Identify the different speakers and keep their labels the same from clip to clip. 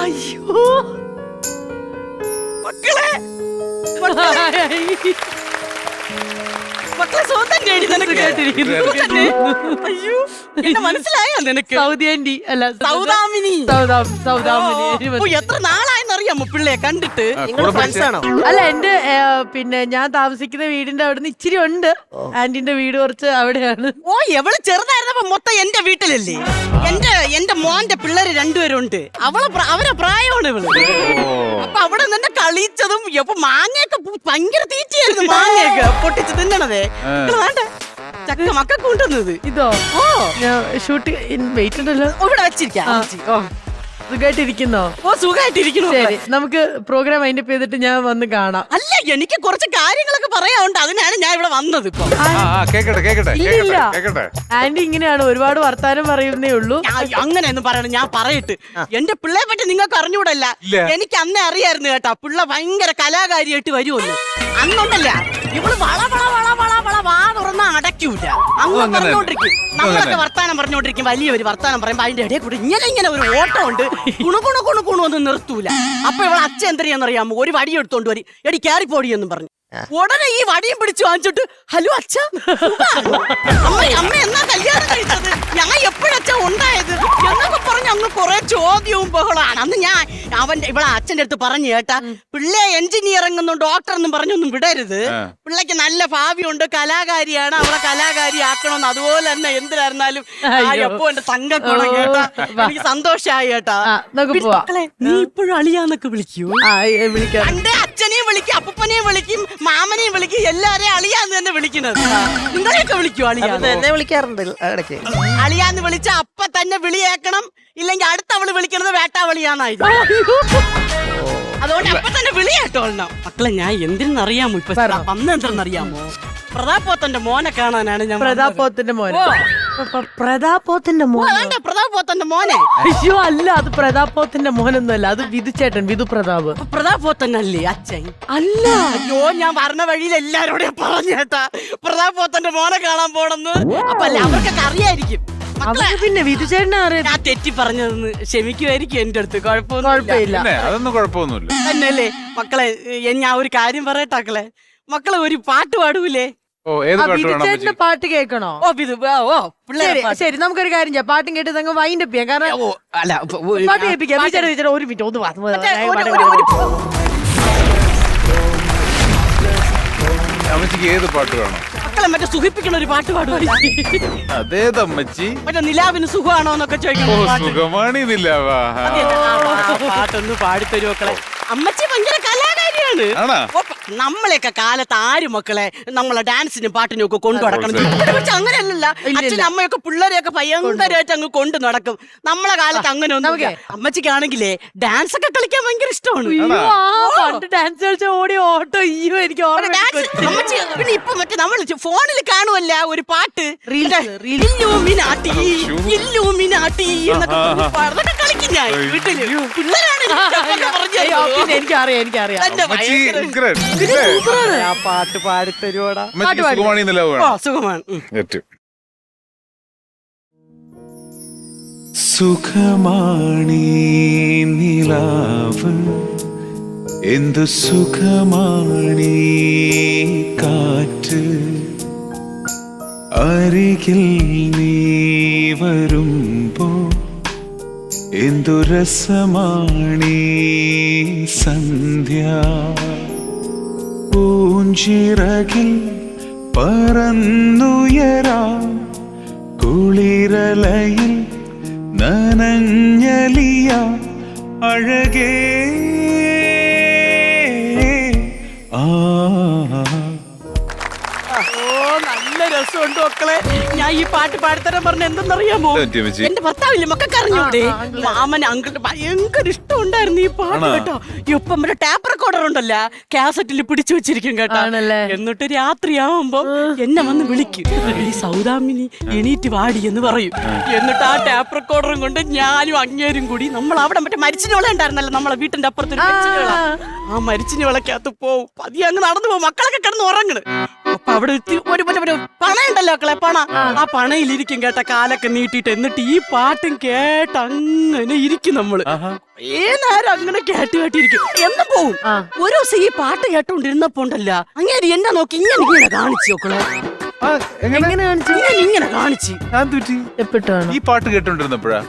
Speaker 1: അയ്യോ മക്കളെ മക്കളെ സ്വന്തം കേടി നിനക്ക് കേട്ടിരിക്കുന്നു. അയ്യോ എന്നെ മനസ്സിലായോ നിനക്ക്?
Speaker 2: സൗദി ആന്റി അല്ല
Speaker 1: സൗദാമിനി.
Speaker 2: സൗദാമിനി.
Speaker 1: ഓ, എത്ര നാളായെന്നറിയാമോ പിള്ളയെ കണ്ടിട്ട്?
Speaker 3: ഫ്രണ്ട്സാണോ?
Speaker 2: അല്ല എന്റെ പിന്നെ ഞാൻ താമസിക്കുന്ന വീടിന്റെ അവിടുന്ന് ഇച്ചിരി ഉണ്ട്. ആന്റിന്റെ വീട് കുറച്ച് അവിടെയാണ്.
Speaker 1: ഓ, എവള് ചെറുതായിരുന്നപ്പോ മൊത്തം എന്റെ വീട്ടിലല്ലേ. എന്റെ മോന്റെ പിള്ളേര് രണ്ടുപേരുണ്ട്. അവരെ പ്രായമാണ് ഇവള്. അപ്പൊ അവിടെ നിന്നെ കളിച്ചതും മാങ്ങയൊക്കെ ഭയങ്കര തീറ്റയായിരുന്നു. മാങ്ങയൊക്കെ പൊട്ടിച്ച് തിന്നണതേ. വേണ്ട ചക്ക മക്ക കൊണ്ടുവന്നത്
Speaker 2: ഇതോ?
Speaker 1: ഓ,
Speaker 2: ഷൂട്ട് വെയിറ്റ് ഉണ്ടല്ലോ.
Speaker 1: ഇവിടെ വെച്ചിരിക്കാം.
Speaker 2: സുഖമായിട്ടിരിക്കുന്നോ?
Speaker 1: ഓ, സുഖമായിട്ടിരിക്കുന്നു.
Speaker 2: ശരി, നമുക്ക് പ്രോഗ്രാം അതിന്റെ ചെയ്തിട്ട് ഞാൻ വന്ന് കാണാം.
Speaker 1: അല്ല, എനിക്ക് കുറച്ച് കാര്യങ്ങളൊക്കെ പറയാനുണ്ട്. അതിനാണ് ഞാൻ ഇവിടെ വന്നത്. ഇപ്പൊ
Speaker 2: ആന്റി ഇങ്ങനെയാണ്, ഒരുപാട് വർത്താനം പറയുന്നേ ഉള്ളൂ.
Speaker 1: അങ്ങനെയൊന്നും പറയണം, ഞാൻ പറയട്ട്. എന്റെ പിള്ളയെ പറ്റി നിങ്ങൾക്ക് അറിഞ്ഞൂടല്ല. എനിക്ക് അന്നേ അറിയായിരുന്നു കേട്ടാ, പിള്ള ഭയങ്കര കലാകാരിയായിട്ട് വരുമെന്ന്. അന്നുണ്ടല്ല ഇവള് വള വള വള വള വള വാ തുറന്ന അടയ്ക്കൂല. അങ്ങ് പറഞ്ഞോണ്ടിരിക്കും. നമ്മളൊക്കെ വർത്താനം പറഞ്ഞോണ്ടിരിക്കും. വലിയൊരു വർത്താനം പറയുമ്പോ അതിന്റെ ഇടയിൽ കൂടെ ഇങ്ങനെ ഒരു ഓട്ടം ഉണ്ട്. കുണു ഒന്നും നിർത്തൂല. അപ്പൊ ഇവളെ അച്ഛൻ എന്തറിയാന്നറിയാമോ? ഒരു വടി എടുത്തോണ്ട് വരി, എടി ക്യാരിപ്പോടി എന്നും പറഞ്ഞു. ഉടനെ ഈ വടിയും പിടിച്ചു വാങ്ങിച്ചിട്ട്, ഹലോ അച്ഛ, അമ്മ എന്നാ കല്യാണം കഴിച്ചത്? ഞാൻ എപ്പോഴച്ഛ ഉണ്ടായത് എന്നൊക്കെ പറഞ്ഞ് അങ്ങ് കുറെ ചോദ്യവും ബഹളമാണ്. അന്ന് ഞാൻ ഇവിടെ അച്ഛൻ്റെ അടുത്ത് പറഞ്ഞു കേട്ടാ, പിള്ളേ എഞ്ചിനീയർ എന്നും ഡോക്ടർ എന്നും പറഞ്ഞൊന്നും വിടരുത്. പിള്ളേക്ക് നല്ല ഭാവിയുണ്ട്, കലാകാരിയാണ്, അവളെ കലാകാരി ആക്കണമെന്ന്. അതുപോലെ തന്നെ എന്തിനായിരുന്നാലും എപ്പോ എന്റെ തങ്കക്കോണം കേട്ടാ, എനിക്ക് സന്തോഷമായി കേട്ടാ. നീ ഇപ്പോഴും അളിയാന്നൊക്കെ വിളിക്കൂ? എന്റെ അച്ഛനെയും വിളിക്കും, അപ്പനെയും വിളിക്കും, മാമനെയും വിളിക്കും, എല്ലാരെയും അളിയാന്ന് തന്നെ വിളിക്കുന്നത്. നിങ്ങളെയൊക്കെ വിളിക്കൂ അളിയാന്ന്?
Speaker 3: എന്നെ വിളിക്കാറുണ്ട് ഇടയ്ക്ക്.
Speaker 1: അളിയാന്ന് വിളിച്ച അപ്പ തന്നെ വിളിയേക്കണം. ഇല്ലെങ്കിൽ അടുത്ത അവള് വിളിക്കണത് വേട്ടാവളിയാന്നായിരുന്നു. അതുകൊണ്ട് അപ്പൊ തന്നെ വിളിയേട്ടോളണം. മക്കളെ, ഞാൻ എന്തിനറിയാമോ ഇപ്പൊ വന്ന എന്തെന്നറിയാമോ? പ്രതാപോത്തന്റെ മോനെ കാണാനാണ് ഞാൻ.
Speaker 2: പ്രതാപോത്തിന്റെ മോനെ? പ്രതാപോത്തിന്റെ മോനെ?
Speaker 1: പ്രതാപോത്തന്റെ മോനെ?
Speaker 2: അയ്യോ അല്ല, അത് പ്രതാപോത്തിന്റെ മോനൊന്നുമല്ല, അത് വിധുചേട്ടൻ, വിധു പ്രതാപ്.
Speaker 1: പ്രതാപോത്തനല്ലേ അച്ഛൻ? അല്ല. അയ്യോ, ഞാൻ പറഞ്ഞ വഴിയിൽ എല്ലാരോടും പറഞ്ഞേട്ടാ പ്രതാപോത്തന്റെ മോനെ കാണാൻ പോണെന്ന്. അപ്പൊ അല്ല, അവർക്കൊക്കെ അറിയായിരിക്കും.
Speaker 2: പിന്നെ വിധുചേട്ടനെ അറിയാം.
Speaker 1: ഞാൻ തെറ്റി പറഞ്ഞതെന്ന് ക്ഷമിക്കുമായിരിക്കും എന്റെ അടുത്ത്.
Speaker 2: കുഴപ്പമില്ല,
Speaker 4: അതൊന്നും കുഴപ്പമൊന്നുമില്ല
Speaker 1: തന്നെയല്ലേ? മക്കളെ, ഞാൻ ഒരു കാര്യം പറയട്ടാക്കളെ. മക്കളെ, ഒരു പാട്ട് പാടൂലേ?
Speaker 2: വിധുചേട്ടന്റെ പാട്ട് കേൾക്കണോ? ശരി, നമുക്കൊരു കാര്യം ചെയ്യാം. പാട്ടും കേട്ട് നിങ്ങൾ വൈൻഡ് അപ്പ് ചെയ്യാം. കാരണം പാട്ട് കേൾപ്പിക്കാം. ഒരു മിനിറ്റ്
Speaker 4: അമ്മച്ചിക്ക് ഏത് പാട്ട് വേണം?
Speaker 1: മക്കളെ, മറ്റേ സുഖിപ്പിക്കണ ഒരു പാട്ട് പാടുവാ.
Speaker 4: അതേതമ്മച്ചി?
Speaker 1: മറ്റേ നിലാവിന് സുഖമാണോ എന്നൊക്കെ ചോദിക്കണം.
Speaker 4: സുഖമാണി നിലാവാ.
Speaker 1: പാട്ടൊന്ന് പാടിത്തരൂ മക്കളെ. അമ്മച്ചി ഭയങ്കര കലാകാരിയാണ്. നമ്മളെയൊക്കെ കാലത്ത് ആരും മക്കളെ നമ്മളെ ഡാൻസിനും പാട്ടിനും ഒക്കെ കൊണ്ടു നടക്കണം. പക്ഷെ അങ്ങനെയല്ലല്ല, അച്ഛനും അമ്മയൊക്കെ പിള്ളേരെയൊക്കെ ഭയങ്കരമായിട്ട് അങ്ങ് കൊണ്ടു നടക്കും. നമ്മളെ കാലത്ത് അങ്ങനെ ഒന്നും. അമ്മച്ചിക്കാണെങ്കിലേ ഡാൻസ് ഒക്കെ കളിക്കാൻ ഭയങ്കര ഇഷ്ടമാണ്.
Speaker 2: ഡാൻസ് കളിച്ച ഓടി ഓട്ടോ. അയ്യോ, എനിക്ക്
Speaker 1: അമ്മച്ചി പിന്നെ ഇപ്പൊ മറ്റേ നമ്മൾ ഫോണിൽ കാണുമല്ല ഒരു പാട്ട്, ഇല്ലൂമിനാട്ടി ഇല്ലൂമിനാട്ടി എന്നൊക്കെ അതൊക്കെ കളിക്കും ഞാൻ വീട്ടില്. പിള്ളേരാണ്
Speaker 2: എനിക്കറിയാം.
Speaker 1: ആ പാട്ട് പാടിത്തരുവോടാ?
Speaker 4: സുഖമാണി നിലാവ്.
Speaker 1: സുഖമാണ്.
Speaker 5: സുഖമാണീ നിലാവ്, എന്തു സുഖമാണീ കാറ്റ്, അരികിൽ നീ വരുമ്പോ എന്തു രസമാണീ സന്ധ്യ, പൂഞ്ചിറകിൽ പറന്നുയരാം, കുളിരലയിൽ നനഞ്ഞലിയ അഴകേ.
Speaker 1: നല്ല രസമുണ്ട് മക്കളെ. ഞാൻ ഈ പാട്ട് പാടിത്തരാൻ പറഞ്ഞ എന്തെന്നറിയാമോ? എന്റെ ഭർത്താവില്ലേ, മക്കൾക്ക് അറിഞ്ഞൂടെ? മാമന് അങ്കിളിന് ഭയങ്കര ഇഷ്ടമുണ്ടായിരുന്നു ഈ പാട്ട് കേട്ടോ. ഇപ്പം ടാപ്പ് റെക്കോർഡർ ഉണ്ടല്ലോ, കാസറ്റിൽ പിടിച്ചു വെച്ചിരിക്കും കേട്ടോ. എന്നിട്ട് രാത്രിയാവുമ്പോ എന്നെ വന്ന് വിളിക്കും, ഈ സൗദാമിനി എണീറ്റ് വാടി എന്ന് പറയും. എന്നിട്ട് ആ ടാപ്പ് റെക്കോർഡറും കൊണ്ട് ഞാനും അങ്ങേരും കൂടി നമ്മൾ അവിടെ മറ്റേ മരിച്ചിനോള ഉണ്ടായിരുന്നല്ലോ നമ്മളെ വീട്ടിന്റെ അപ്പുറത്തൊരു മരിച്ചിനോള, ആ മരിച്ചിനോളക്കകത്ത് പോവും. പതിയെ അങ്ങ് നടന്നു പോകും. മക്കളൊക്കെ കിടന്ന് ഉറങ്ങണ്. അപ്പൊ അവിടെ ഒരു പണ ഉണ്ടല്ലോ മക്കളെ, പണ ആ പണയിലിരിക്കും കേട്ട, കാലൊക്കെ നീട്ടിയിട്ട്. എന്നിട്ട് ഈ പാട്ടും കേട്ട് അങ്ങനെ ഇരിക്കും നമ്മള്. നേരം അങ്ങനെ കേട്ടിരിക്കും. എന്നും പോവും. ഒരു ദിവസം ഈ പാട്ട് കേട്ടോണ്ടിരുന്നപ്പോ ഉണ്ടല്ല, അങ്ങനെ എന്നെ നോക്കി ഇങ്ങനെ കാണിച്ചു നോക്കളെ.
Speaker 2: എങ്ങനെ കാണിച്ചു?
Speaker 1: ഇങ്ങനെ കാണിച്ചു.
Speaker 2: എപ്പിട്ടാണ്
Speaker 4: ഈ പാട്ട് കേട്ടോണ്ടിരുന്നപ്പോഴാ?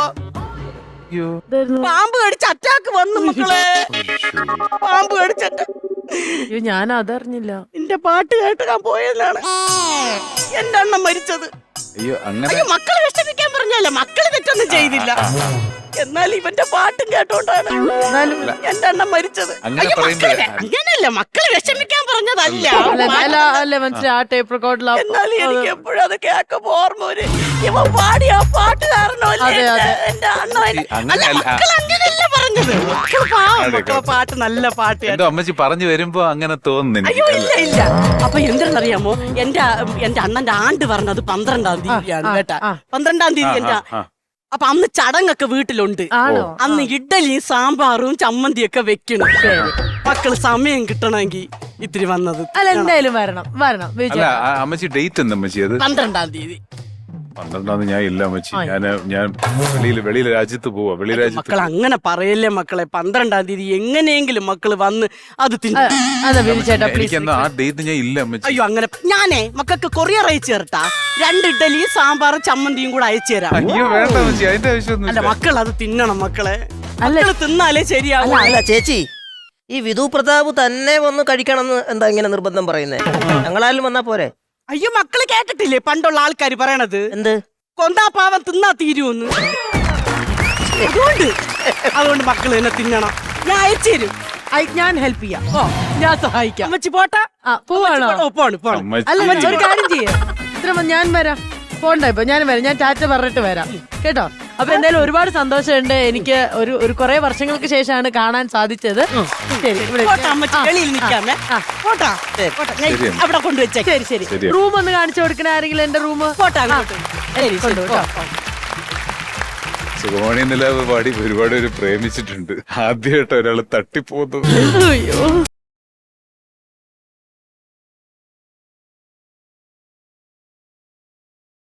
Speaker 1: പാമ്പ് കടിച്ച് അറ്റാക്ക് വന്നു മക്കളെ. പാമ്പ് കടിച്ചിട്ട്
Speaker 2: ഞാൻ അതറിഞ്ഞില്ല.
Speaker 1: എന്റെ പാട്ട് കേട്ട് ഞാൻ പോയതാണ് എന്റെ അണ്ണൻ മരിച്ചത്.
Speaker 4: അയ്യോ അങ്ങനെ.
Speaker 1: അയ്യോ, മക്കളെ വിഷമിക്കാൻ പറഞ്ഞല്ല, മക്കള് തെറ്റൊന്നും ചെയ്തില്ല. എന്നാൽ ഇവന്റെ പാട്ടും കേട്ടോണ്ടാണ് എന്റെ അണ്ണൻ മരിച്ചത്.
Speaker 4: അങ്ങനെ
Speaker 1: അയ്യോ,
Speaker 4: പറയുമ്പോഴേ.
Speaker 1: അങ്ങനെയല്ല, മക്കളെ വിഷമിക്കാൻ പറഞ്ഞതല്ല.
Speaker 2: അല്ല മനസ്സിലായി. ആ ടേപ്പ് റെക്കോർഡിലാ.
Speaker 1: എന്നാലും എനിക്ക് എപ്പോഴും അത് കേൾക്കുമ്പോ ഓർമ്മ വരും. ഇവൻ പാടിയ ആ പാട്ട് കാരണമല്ലേ എന്റെ അണ്ണൻ. അല്ല, മക്കൾ അങ്ങനെയല്ല പറഞ്ഞത്. മക്കള് പാവം, മക്കളെ പാട്ട് നല്ല പാട്ട്.
Speaker 4: എന്റെ അമ്മച്ചി പറഞ്ഞു വരുമ്പോ അങ്ങനെ തോന്നുന്നു.
Speaker 1: അയ്യോ, ഇല്ല. അപ്പൊ എന്തെന്നറിയാമോ, എന്റെ അണ്ണന്റെ ആണ്ട് പറഞ്ഞത് 12-ാം തീയതിയാണ് കേട്ടാ. 12-ാം തീയതി എന്റെ. അപ്പൊ അന്ന് ചടങ്ങൊക്കെ വീട്ടിലുണ്ട്. അന്ന് ഇഡ്ഡലിയും സാമ്പാറും ചമ്മന്തിയൊക്കെ വെക്കണം. മക്കള് സമയം കിട്ടണമെങ്കിൽ ഇത്തിരി വന്നത്.
Speaker 2: അല്ല, എന്തായാലും വരണം.
Speaker 4: അല്ല അമ്മച്ചി ഡേറ്റ് എന്താ അമ്മച്ചി? അത്
Speaker 1: 12-ാം തീയതി.
Speaker 4: 12-ാം തീയതി ഞാൻ ഇല്ല അമ്മച്ചി. ഞാൻ വെളിയിൽ രാജ്യത്ത് പോവാ.
Speaker 1: മക്കൾ അങ്ങനെ പറയല്ലേ മക്കളെ. 12-ാം തീയതി എങ്ങനെയെങ്കിലും മക്കള് വന്ന് അത് തിന്നു.
Speaker 4: എനിക്കെന്നാ ആ ഡേറ്റ് ഞാൻ ഇല്ല അമ്മച്ചി.
Speaker 1: അയ്യോ, അങ്ങനെ ഞാനേ മക്കൾക്ക് കൊറിയർ അയച്ചു തരട്ടാ. 2 ഇഡ്ഡലിയും സാമ്പാറും ചമ്മന്തിയും കൂടെ അയച്ചു തരാം.
Speaker 4: അയ്യോ വേണ്ട അമ്മച്ചി, അതിന്റെ ആവശ്യമൊന്നും.
Speaker 1: അല്ല, മക്കൾ അത് തിന്നണം മക്കളെ. മക്കള് തിന്നാലേ ശരിയാവും.
Speaker 3: അല്ല ചേച്ചി, ഈ വിധു പ്രതാപ് തന്നെ വന്ന് കഴിക്കണമെന്ന് എന്താ ഇങ്ങനെ നിർബന്ധം പറയുന്നേ? ഞങ്ങളാലും വന്നാ പോരെ?
Speaker 1: അയ്യോ, മക്കള് കേട്ടിട്ടില്ലേ പണ്ടുള്ള ആൾക്കാര് പറയണത്?
Speaker 3: എന്ത്?
Speaker 1: കൊന്താപ്പാവൻ തിന്നാ തീരുമെന്ന്. അതുകൊണ്ട് മക്കള് തന്നെ തിന്നണം. ഞാൻ അയച്ചു തരും.
Speaker 2: ഞാൻ ഹെൽപ്പ് ചെയ്യാം. ഞാൻ സഹായിക്കാം.
Speaker 1: അമ്മച്ചി പോട്ടാ.
Speaker 2: പോവാണോ?
Speaker 1: പോണ്.
Speaker 2: അല്ല, ഒരു കാര്യം ചെയ്യാം. ഞാൻ വരാം. പോണ്ട, ഇപ്പൊ ഞാൻ വരാം. ഞാൻ ടാറ്റ പറഞ്ഞിട്ട് വരാം കേട്ടോ. അപ്പൊ എന്തായാലും ഒരുപാട് സന്തോഷമുണ്ട്. എനിക്ക് ഒരു കുറെ വർഷങ്ങൾക്ക് ശേഷമാണ് കാണാൻ സാധിച്ചത്. ശരി, ഇവിടെ
Speaker 1: വെളിയിൽ നിൽക്കാമേ. പോട്ടാ. അവിടെ കൊണ്ടുവച്ചേ.
Speaker 2: ശരി. റൂം ഒന്ന് കാണിച്ചു കൊടുക്കണ ആരെങ്കിലും? എന്റെ റൂം
Speaker 1: പോട്ടാ.
Speaker 4: സുഖമണി നിലാവ് പാടി ഒരുപാട് പേര് പ്രേമിച്ചിട്ടുണ്ട്. ആദ്യമായിട്ട് ഒരാള് തട്ടിപ്പോകുന്നത്.
Speaker 2: അയ്യോ.